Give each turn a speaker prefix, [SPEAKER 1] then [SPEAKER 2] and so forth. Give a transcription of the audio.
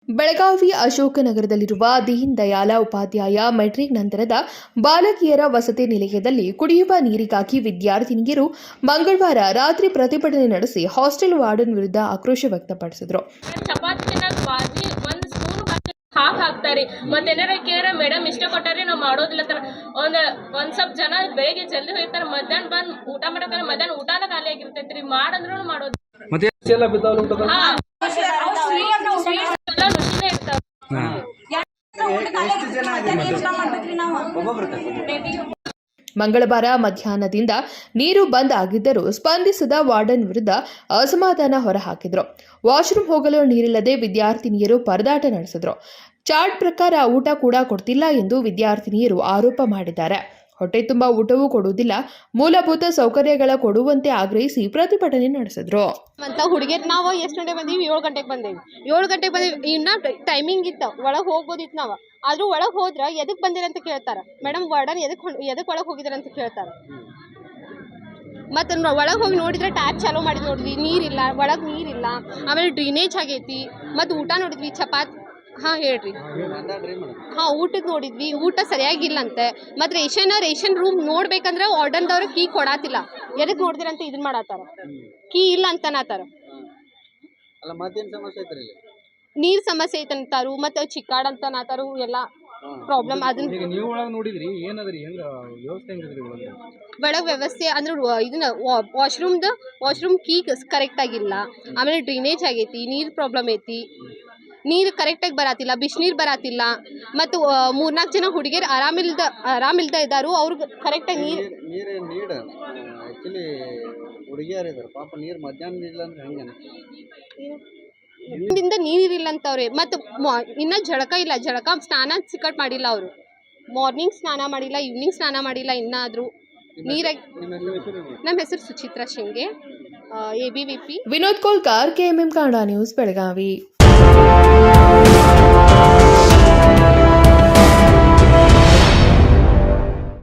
[SPEAKER 1] ಬೆಳಗಾವಿ ಅಶೋಕನಗರದಲ್ಲಿರುವ ದೀನ್ ದಯಾಳ ಉಪಾಧ್ಯಾಯ ಮೆಟ್ರಿಕ್ ನಂತರದ ಬಾಲಕಿಯರ ವಸತಿ ನಿಲಯದಲ್ಲಿ ಕುಡಿಯುವ ನೀರಿಗಾಗಿ ವಿದ್ಯಾರ್ಥಿನಿಯರು ಮಂಗಳವಾರ ರಾತ್ರಿ ಪ್ರತಿಭಟನೆ ನಡೆಸಿ ಹಾಸ್ಟೆಲ್ ವಾರ್ಡನ್ ವಿರುದ್ಧ ಆಕ್ರೋಶ ವ್ಯಕ್ತಪಡಿಸಿದರು.
[SPEAKER 2] ಹಾಕ್ತಾರೆ ಮತ್ತೇನಾರ ಕೇರ ಮೇಡಮ್ ಇಷ್ಟ ಕೊಟ್ಟಾರೆ ನಾವು ಮಾಡೋದಿಲ್ಲ ತರ ಒಂದ್ ಸ್ವಲ್ಪ ಜನ ಬೆಳಿಗ್ಗೆ ಜಲ್ದಿ ಹೋಗ್ತಾರೆ, ಮಧ್ಯಾಹ್ನ ಬಂದ್ ಊಟ ಮಾಡಕ ಮಧ್ಯಾಹ್ನ ಊಟನ ಖಾಲಿ ಆಗಿರ್ತೈತ್ರಿ. ಮಾಡಂದ್ರೂ ಮಾಡೋದು
[SPEAKER 1] ಮಂಗಳವಾರ ಮಧ್ಯಾಹ್ನದಿಂದ ನೀರು ಬಂದ್ ಆಗಿದ್ದರೂ ಸ್ಪಂದಿಸದ ವಾರ್ಡನ್ ವಿರುದ್ಧ ಅಸಮಾಧಾನ ಹೊರಹಾಕಿದ್ರು. ವಾಶ್ರೂಮ್ ಹೋಗಲು ನೀರಿಲ್ಲದೆ ವಿದ್ಯಾರ್ಥಿನಿಯರು ಪರದಾಟ ನಡೆಸಿದ್ರು. ಚಾರ್ಟ್ ಪ್ರಕಾರ ಊಟ ಕೂಡ ಕೊಡ್ತಿಲ್ಲ ಎಂದು ವಿದ್ಯಾರ್ಥಿನಿಯರು ಆರೋಪ ಮಾಡಿದ್ದಾರೆ. ಹೊಟ್ಟೆ ತುಂಬ ಊಟವೂ ಕೊಡುವುದಿಲ್ಲ, ಮೂಲಭೂತ ಸೌಕರ್ಯಗಳ ಕೊಡುವಂತೆ ಆಗ್ರಹಿಸಿ ಪ್ರತಿಭಟನೆ ನಡೆಸಿದ್ರು.
[SPEAKER 3] ಅಂತ ಹುಡುಗಿಯರು ನಾವು ಎಷ್ಟು ಗಂಟೆ ಬಂದೀವಿ? 7 ಗಂಟೆಗೆ ಬಂದೇವಿ. 7 ಗಂಟೆಗೆ ಬಂದೀವಿ, ಇನ್ನ ಟೈಮಿಂಗ್ ಇತ್ತು, ಒಳಗೆ ಹೋಗ್ಬೋದಿತ್ತು ನಾವು. ಆದ್ರೂ ಒಳಗೆ ಹೋದ್ರೆ ಎದಕ್ಕೆ ಬಂದಿರ ಅಂತ ಕೇಳ್ತಾರೆ. ಮೇಡಮ್ ವಾರ್ಡನ್ ಎದಕ್ಕೆ ಒಳಗೆ ಹೋಗಿದಾರೆ ಅಂತ ಕೇಳ್ತಾರೆ. ಮತ್ತು ಒಳಗೆ ಹೋಗಿ ನೋಡಿದ್ರೆ ಟ್ಯಾಪ್ ಚಾಲೂ ಮಾಡಿ ನೋಡಿದ್ವಿ, ನೀರಿಲ್ಲ, ಒಳಗೆ ನೀರಿಲ್ಲ. ಆಮೇಲೆ ಡ್ರೈನೇಜ್ ಆಗೈತಿ. ಮತ್ತು ಊಟ ನೋಡಿದ್ವಿ, ಚಪಾತಿ. ಹಾಂ ಹೇಳ್ರಿ. ಹಾಂ, ಊಟಕ್ಕೆ ನೋಡಿದ್ವಿ, ಊಟ ಸರಿಯಾಗಿಲ್ಲಂತೆ. ಮತ್ತು ರೇಷನ್ ರೂಮ್ ನೋಡ್ಬೇಕಂದ್ರೆ ವಾರ್ಡನ್ದವ್ರು ಕೀ ಕೊಡಾತಿಲ್ಲ. ಎದಕ್ಕೆ ನೋಡ್ದಿರಂತ ಇದನ್ನ ಮಾಡತ್ತಾರ, ಕೀ ಇಲ್ಲ ಅಂತನಾತಾರ. ನೀರ್ ಸಮಸ್ಯೆ ಐತಂತಾರು, ಮತ್ತು ಚಿಕ್ಕಾಡ್ ಅಂತನಾತಾರು. ಎಲ್ಲ ಪ್ರಾಬ್ಲಮ್. ಅದನ್ನ ಒಳಗೆ ವ್ಯವಸ್ಥೆ ಅಂದ್ರೆ ಇದನ್ನ ವಾಶ್ರೂಮ್ ಕೀ ಕರೆಕ್ಟ್ ಆಗಿಲ್ಲ. ಆಮೇಲೆ ಡ್ರೈನೇಜ್ ಆಗೈತಿ, ನೀರ್ ಪ್ರಾಬ್ಲಮ್ ಐತಿ, ನೀರು ಕರೆಕ್ಟಾಗಿ ಬರಾತಿಲ್ಲ, ಬಿಸಿನೀರು ಬರಾತಿಲ್ಲ. ಮತ್ತು 3-4 ಜನ ಹುಡುಗಿಯರು ಆರಾಮಿಲ್ದ ಇದ್ದಾರು, ಅವ್ರಿಗೆ ಕರೆಕ್ಟಾಗಿ ನೀರಿಂದ ನೀರಿಲ್ಲ ಅಂತವ್ರೆ. ಮತ್ತು ಇನ್ನ ಜಳಕ ಇಲ್ಲ, ಸ್ನಾನ ಸಿಕ್ಕಟ್ ಮಾಡಿಲ್ಲ ಅವರು. ಮಾರ್ನಿಂಗ್ ಸ್ನಾನ ಮಾಡಿಲ್ಲ, ಈವ್ನಿಂಗ್ ಸ್ನಾನ ಮಾಡಿಲ್ಲ. ಇನ್ನಾದರೂ ನೀರಾಗಿ. ನಮ್ಮ ಹೆಸರು Suchitra Shinge, ABVP.
[SPEAKER 1] Vinod Kolkar, KMM Kannada news, Belagavi.